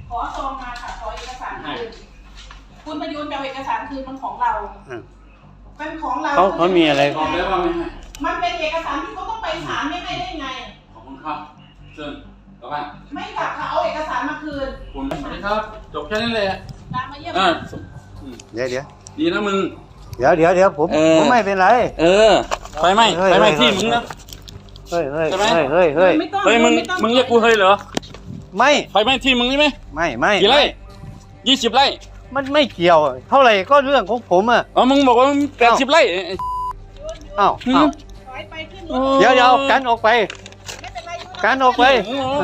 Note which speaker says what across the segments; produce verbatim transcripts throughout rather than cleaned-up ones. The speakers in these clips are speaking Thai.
Speaker 1: ขอซองมาค่ะขอเอกสารคืนคุณประยุทธ์เอาเอกสารคืนมันของเราเป็นของเรา
Speaker 2: เขาเขามีอะไร
Speaker 3: บอกได้ว่าไม่ให้
Speaker 1: มันเป็นเอกสารที่เขาต้องไปศาลไม่ให้ได้ไง
Speaker 3: ขอบคุณครับเชิญกลับบ้าน
Speaker 1: ไม่กลับค่ะเอาเอกสารมาคืน
Speaker 3: คุณสวัสดีครับจบแค่นี้เลย
Speaker 1: ตามมาเยี่ยม
Speaker 2: เดี๋ยวเดี๋ยว
Speaker 3: ดีนะมึง
Speaker 2: เดี๋ยวเดี๋ยวเดี๋ยวผมผมไม่เป็นไร
Speaker 3: เออไฟไหม้ไฟไหม้ที่มึงนะ
Speaker 2: เฮ้ยเฮ้ยเฮ้ยเฮ้ยเฮ้ย
Speaker 3: เฮ้ยมึงมึงเรียกกูเฮ้ยเหรอ
Speaker 2: ไม่
Speaker 3: ไฟไหม้ที่มึงใช่ไหม
Speaker 2: ไม่ไม่
Speaker 3: กี่ไร่ยี่สิบไร่
Speaker 2: มันไม่เกี่ยวเท่าไหร่ก็เรื่องของผมอ่ะ
Speaker 3: อ๋อมึงบอกว่าแปดสิบไร่
Speaker 2: อ้าวเดี๋ยวเดี๋ยวกันออกไปกันออกไป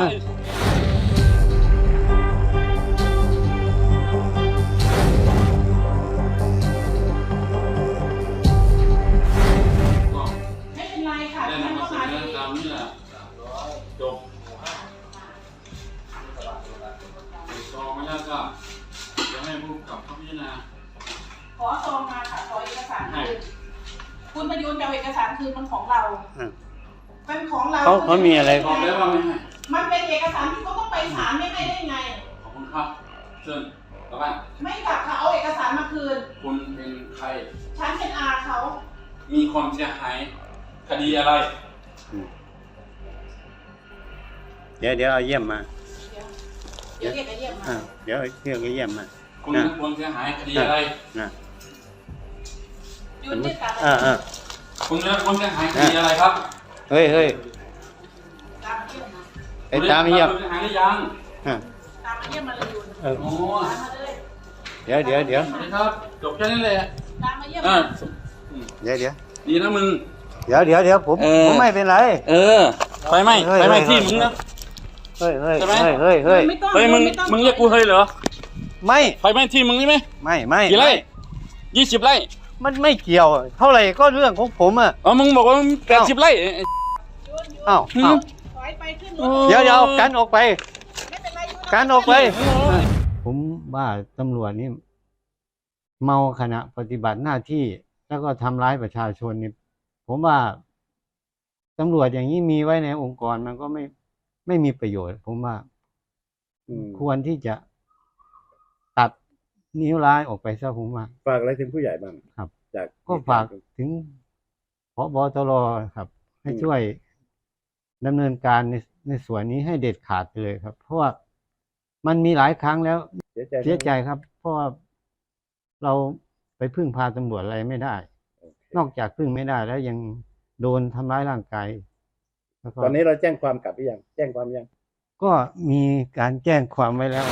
Speaker 1: ไม่เป็นไรค่ะ
Speaker 3: ได้นำมาเสนอตามนี้แหละจบซองมาแล้วก็จะให้ผู้กับเขาพิจารณา
Speaker 1: ขอซองมาค่ะขอเอกสารคืนคุณประยุทธ์เอาเอกสารคืนมันของเราเป็นของเรา
Speaker 2: เขาเขามีอะไร
Speaker 3: บอกได้ว่าไม่ให้
Speaker 1: มันเป็นเอกสารที่เขาต้องไปศาลไม่ให้ได้ไง
Speaker 3: ขอบคุณครับเชิญกลับบ้าน
Speaker 1: ไม่กลับค่ะเอาเอกสารมาคืน
Speaker 3: คุณเป็นใคร
Speaker 1: ฉันเป็นอาเขา
Speaker 3: มีความเสียหายคดีอะไร
Speaker 2: เดี๋ยวเดี๋ยวเอาเยี่ยมมา
Speaker 1: เดี๋ยวเรียกไอ้เยี่ยมมา
Speaker 2: เดี๋ยวเรียกไอ้เยี่ยมมา
Speaker 3: คุณมีความเสียหายคดีอะไร
Speaker 2: นะ
Speaker 1: ยุ่นที่ตา
Speaker 2: อ่าอ่า
Speaker 3: คุณมีความเสียหายคดีอะไรครับ
Speaker 2: เฮ้ยเฮ้ยไอ้ตามเยี่ยม
Speaker 3: เสียหายหรือยัง
Speaker 1: ตามมาเยี่ยมมาเลยยุ่น
Speaker 3: โอ้
Speaker 2: เดี๋ยวเดี๋ยวเดี๋ยว
Speaker 3: สวัสดีครับจบแค่นี้เลย
Speaker 1: ตามมาเยี่ยม
Speaker 2: เดี๋ยวเดี๋ยว
Speaker 3: ดีนะมึง
Speaker 2: เดี๋ยวเดี๋ยวเดี๋ยวผมผมไม่เป็นไร
Speaker 3: เออไฟไหม้ไฟไหม้ที่มึงนะ
Speaker 2: เฮ้ยเฮ้ยเฮ้ยเฮ้ยเฮ้ย
Speaker 3: เฮ้ยมึงมึงเรียกกูเฮ้ยเหรอ
Speaker 2: ไม่
Speaker 3: ไฟไหม้ที่มึงใช่ไหม
Speaker 2: ไม่ไม่
Speaker 3: กี่ไร่ยี่สิบไร่
Speaker 2: มันไม่เกี่ยวเท่าไหร่ก็เรื่องของผมอ่ะ
Speaker 3: อ๋อมึงบอกว่าแปดสิบไร่
Speaker 2: อ้าวเดี๋ยวเดี๋ยวกันออกไปกันออกไปผมว่าตำรวจนี่เมาขณะปฏิบัติหน้าที่แล้วก็ทำร้ายประชาชนนี่ผมว่าตำรวจอย่างนี้มีไว้ในองค์กรมันก็ไม่ไม่มีประโยชน์ผมว่าควรที่จะตัดนิ้วร้ายออกไปซะผมว่า
Speaker 4: ฝากอะไรถึงผู้ใหญ่บ้าง
Speaker 2: ครับจากก็ฝากถึงผบ.ตร.ครับให้ช่วยดำเนินการในในส่วนนี้ให้เด็ดขาดเลยครับเพราะว่ามันมีหลายครั้งแล้วเสียใจครับเพราะว่าเราไปพึ่งพาตำรวจอะไรไม่ได้นอกจากพึ่งไม่ได้แล้วยังโดนทำร้ายร่างกาย
Speaker 4: ตอนนี้เราแจ้งความกลับหรือยังแจ้งความยัง
Speaker 2: ก็มีการแจ้งความไว้แล้ว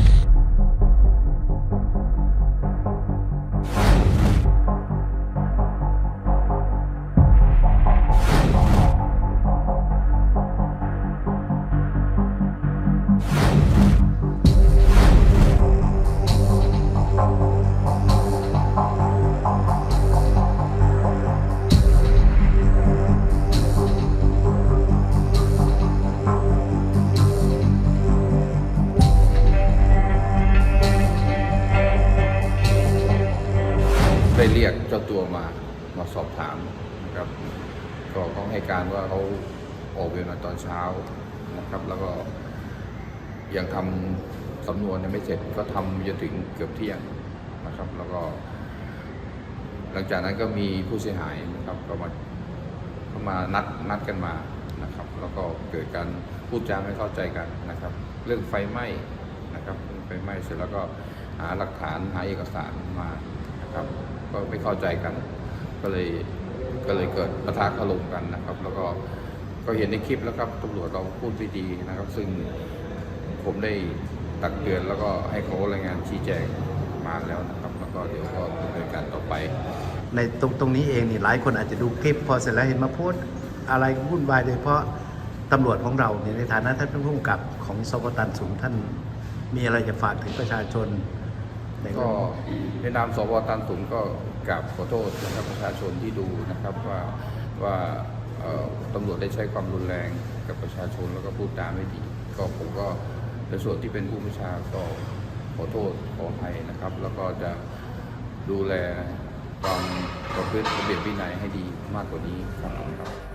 Speaker 5: ได้เรียกเจ้าตัวมามาสอบถามนะครับก็เขาให้การว่าเขาออกเวรมาตอนเช้านะครับแล้วก็ยังทำสำนวนยังไม่เสร็จก็ทำจนถึงเกือบเที่ยงนะครับแล้วก็หลังจากนั้นก็มีผู้เสียหายนะครับก็มาก็มานัดนัดกันมานะครับแล้วก็เกิดการพูดจาไม่เข้าใจกันนะครับเรื่องไฟไหม้นะครับไฟไหม้เสร็จแล้วก็หาหลักฐานหาเอกสารมานะครับก็ไม่เข้าใจกันก็เลยก็เลยเกิดปะทะคารมกันนะครับแล้วก็ก็เห็นในคลิปแล้วครับตำรวจเราพูดไม่ดีนะครับซึ่งผมได้ตักเตือนแล้วก็ให้เขารายงานชี้แจงมาแล้วนะครับแล้วก็เดี๋ยวก็ดำเนินการต่อไป
Speaker 4: ในตรงตรงนี้เองนี่หลายคนอาจจะดูคลิปพอเสร็จแล้วเห็นมาโพสอะไรวุ่นวายโดยเฉพาะตำรวจของเราเนี่ยในฐานะท่านผู้กำกับของสกตันสูงท่านมีอะไรจะฝากถึงประชาชน
Speaker 5: ก็ในนามสวตันสูงก็กราบขอโทษนะครับประชาชนที่ดูนะครับว่าว่าตำรวจได้ใช้ความรุนแรงกับประชาชนแล้วก็พูดจาไม่ดีก็ผมก็ในส่วนที่เป็นผู้บัญชาก็ขอโทษขออภัยนะครับแล้วก็จะดูแลความประพฤติระเบียบวินัยให้ดีมากกว่านี้ครับ